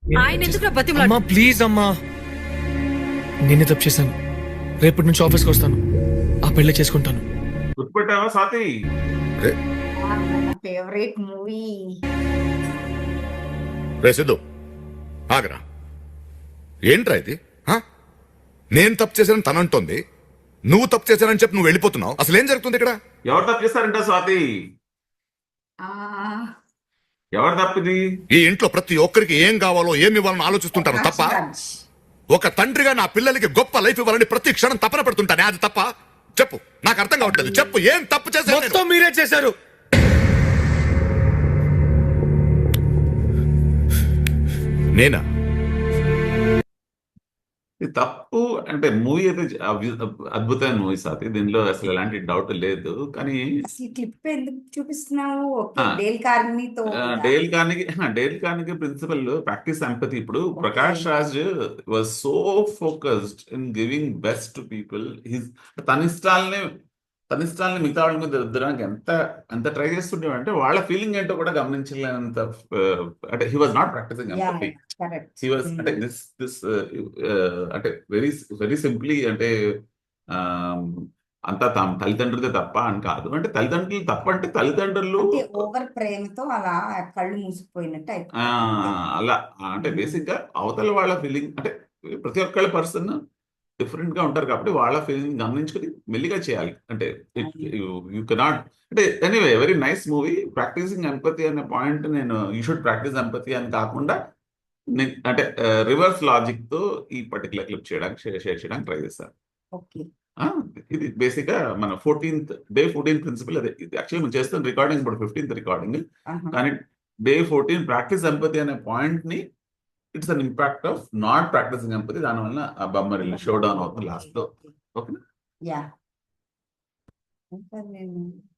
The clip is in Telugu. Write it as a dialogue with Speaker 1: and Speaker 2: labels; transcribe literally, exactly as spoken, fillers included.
Speaker 1: ఆయన ఎందుకు బతిమలాడు
Speaker 2: అమ్మా ప్లీజ్ అమ్మా, నేనే తప్పు చేశాను. రేపటి నుంచి ఆఫీస్కి వస్తాను, ఆ పెళ్లి చేసుకుంటాను.
Speaker 3: గుర్తుపెట్టావా స్వాతి?
Speaker 4: Favourite movie.
Speaker 5: రే సిద్ధు, ఆగరా. ఏంట్రా ఇది? హా? నేను తప్పు చేశానని తనంటోంది, నువ్వు తప్పు చేశానని చెప్పి నువ్వు వెళ్ళిపోతున్నావు. అసలు ఏం జరుగుతుంది ఇక్కడ?
Speaker 3: ఎవరు తప్పు చేస్తారంట స్వాతి? ఎవరు తప్పిది?
Speaker 5: ఈ ఇంట్లో ప్రతి ఒక్కరికి ఏం కావాలో ఏమి ఇవ్వాలని ఆలోచిస్తుంటాను తప్ప, ఒక తండ్రిగా నా పిల్లలకి గొప్ప లైఫ్ ఇవ్వాలని ప్రతి క్షణం తపన పెడుతుంటానే, అది తప్ప? చెప్పు, నాకు అర్థం కావట్లేదు. చెప్పు, ఏం తప్పు చేశాను?
Speaker 2: మొత్తం మీరే చేశారు.
Speaker 5: నేనా?
Speaker 3: ఇది తప్పు అంటే మూవీ అయితే అభి- అద్భుతమైన మూవీ స్వాతి, దీనిలో అసలు ఎలాంటి డౌట్ లేదు. కానీ
Speaker 4: అసలు క్లిప్ ఎందుకు చూపిస్తున్నావు? ఓకే,
Speaker 3: ఆ.
Speaker 4: డేల్ కార్నీతో
Speaker 3: ఆ, డేల్ కార్నికి డేల్ కార్నికి ప్రిన్సిపల్ ప్రాక్టీస్ ఎంపతి. ఇప్పుడు Prakash Raj was so focused in giving best to people. His తన ఇష్టాలని తన ఇష్టాలని మిగతా వాళ్ళ మీద రుద్దడానికి ఎంత ఎంత ట్రై చేస్తుండే అంటే వాళ్ళ ఫీలింగ్ ఏంటో కూడా గమనించలేనంత uh, అంటే he was not practicing empathy.
Speaker 4: Correct.
Speaker 3: He was అంటే దిస్ దిస్ అంటే వెరీ వెరీ సింప్లీ అంటే um, అంతా తమ తల్లిదండ్రులదే తప్ప అని కాదు. అంటే తల్లిదండ్రులు తప్ప అంటే తల్లిదండ్రులు
Speaker 4: అంటే ఓవర్ ప్రేమతో అలా కళ్ళు మూసిపోయినట్టు
Speaker 3: ఆ,
Speaker 4: అయిపోయింది.
Speaker 3: అలా అంటే
Speaker 4: మ్మ్.
Speaker 3: బేసిక్ గా అవతల వాళ్ళ ఫీలింగ్ అంటే ప్రతి ఒక్కళ్ళ పర్సన్ డిఫరెంట్ గా ఉంటారు కాబట్టి వాళ్ళ ఫీలింగ్ గమనించుకుని మెల్లిగా చేయాలి. అంటే యూ కెనాట్ అంటే anyway very nice movie. Practicing empathy అనే పాయింట్ నేను యూ షుడ్ ప్రాక్టీస్ ఎంపతి అని కాకుండా నే- అంటే రివర్స్ లాజిక్ తో ఈ పర్టికులర్ క్లిప్ చేయడానికి షేర్ చేయడానికి ట్రై చేస్తాను.
Speaker 4: ఓకే.
Speaker 3: ఆ, ఇది బేసిక్ గా మన ఫోర్టీన్త్ డే ఫోర్టీన్త్ ప్రిన్సిపల్ అదే. ఇది యాక్చువల్లీ మనం చేస్తున్న రికార్డింగ్ ఇప్పుడు ఫిఫ్టీన్త్ రికార్డింగ్,
Speaker 4: ఆహా.
Speaker 3: కానీ డే ఫోర్టీన్ ప్రాక్టీస్ ఎంపతి అనే పాయింట్ ని it's an impact of not practicing empathy. దానివల్ల ఆ బొమ్మ షో డౌన్ అవుతుంది లాస్ట్ లో. ఓకేనా?
Speaker 4: యా. ఇంకా నేను